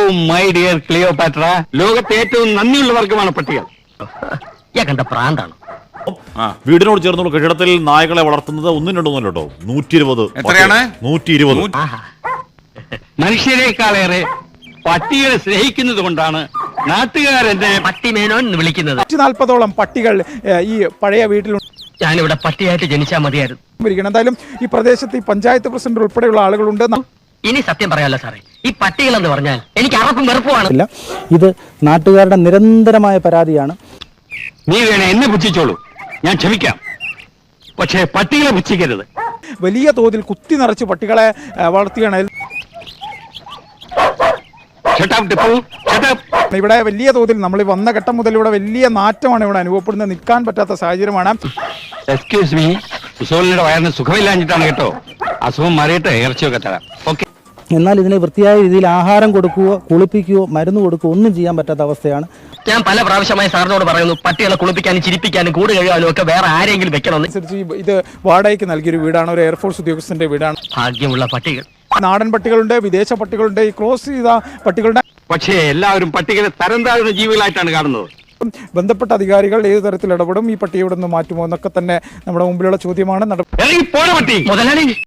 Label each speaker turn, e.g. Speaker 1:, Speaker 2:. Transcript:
Speaker 1: My dear Cleopatra, ലോകത്തെ ഏറ്റവും നന്ദിയുള്ള വർഗമാണ് പട്ടികൾ.
Speaker 2: കണ്ട പ്രാന്താണ്.
Speaker 3: വീടിനോട് ചേർന്നുള്ള കെട്ടിടത്തിൽ നായകളെ വളർത്തുന്നത് ഒന്നും രണ്ടൊന്നും കേട്ടോ, 120.
Speaker 4: എത്രയാണ്?
Speaker 3: 120.
Speaker 1: മനുഷ്യരെക്കാളേറെ പട്ടികളെ സ്നേഹിക്കുന്നത് കൊണ്ടാണ് നാട്ടുകാരെന്നെ
Speaker 2: പട്ടിമേനോൻ എന്ന് വിളിക്കുന്നത്.
Speaker 5: 140ഓളം പട്ടികൾ ഈ പഴയ വീട്ടിലുണ്ട്.
Speaker 2: ഞാനിവിടെ പട്ടിയായിട്ട് ജനിച്ചാൽ മതിയായിരുന്നു.
Speaker 5: എന്തായാലും ഈ പ്രദേശത്ത് ഈ പഞ്ചായത്ത് പ്രസിഡന്റ് ഉൾപ്പെടെയുള്ള ആളുകളുണ്ട്.
Speaker 2: ഇനി സത്യം പറയാമല്ലോ സാറേ, ഈ പട്ടികൾ എന്ന് പറഞ്ഞാൽ എനിക്ക് അറപ്പും വെറുപ്പുമാണ്.
Speaker 6: ഇത് നാട്ടുകാരുടെ നിരന്തരമായ പരാതിയാണ്.
Speaker 1: നീ വേണേ എന്നെ പുച്ഛിച്ചോളൂ, ഞാൻ ക്ഷമിക്കാം. പക്ഷേ പട്ടികളെ പുച്ഛിക്കരുത്.
Speaker 5: വലിയ തോതിൽ കുത്തി നിറച്ച് പട്ടികളെ വളർത്തുകയാണ്. ഇവിടെ വലിയ തോതിൽ നമ്മൾ വന്ന ഘട്ടം മുതൽ ഇവിടെ വലിയ നാറ്റമാണ് ഇവിടെ അനുഭവപ്പെടുന്നത്. നിൽക്കാൻ പറ്റാത്ത സാഹചര്യമാണ്.
Speaker 1: എക്സ്ക്യൂസ് മീ, സുസോലിന്റെ വയറിന് സുഖമില്ലാഞ്ഞിട്ടാണ് കേട്ടോ. അസുഖം മാറിയിട്ട് ഇറച്ചിയൊക്കെ തരാം. ഓക്കെ.
Speaker 6: എന്നാൽ ഇതിനെ വൃത്തിയായ രീതിയിൽ ആഹാരം കൊടുക്കുകയോ കുളിപ്പിക്കുകയോ മരുന്ന് കൊടുക്കുകയോ ഒന്നും ചെയ്യാൻ പറ്റാത്ത അവസ്ഥയാണ്.
Speaker 2: ഞാൻ പല പ്രാവശ്യമായി സാറിനോട് പറയുന്നു, പട്ടികളെ കുളിപ്പിക്കാനും ചിരിപ്പിക്കാനും കൂട് കഴുകാനും ഒക്കെ വേറെ ആരെങ്കിലും വെക്കണം.
Speaker 5: ഇത് വാടകയ്ക്ക് നൽകിയൊരു വീടാണ്, ഒരു എയർഫോഴ്സ് ഉദ്യോഗസ്ഥന്റെ വീടാണ്.
Speaker 2: ഭാഗ്യമുള്ള പട്ടികൾ.
Speaker 5: നാടൻ പട്ടികളുണ്ട്, വിദേശ പട്ടികളുണ്ട്, ഈ ക്രോസ് ചെയ്ത പട്ടികളുടെ.
Speaker 1: പക്ഷേ എല്ലാവരും പട്ടികളെ തരം താഴ്ന്ന ജീവികളായിട്ടാണ് കാണുന്നത്.
Speaker 5: ബന്ധപ്പെട്ട അധികാരികൾ ഏത് തരത്തിൽ ഇടപെടും, ഈ പട്ടിയെ ഇവിടെ നിന്ന് മാറ്റുമോ എന്നൊക്കെ തന്നെ നമ്മുടെ മുമ്പിലുള്ള ചോദ്യമാണ്.
Speaker 1: മുതലാളി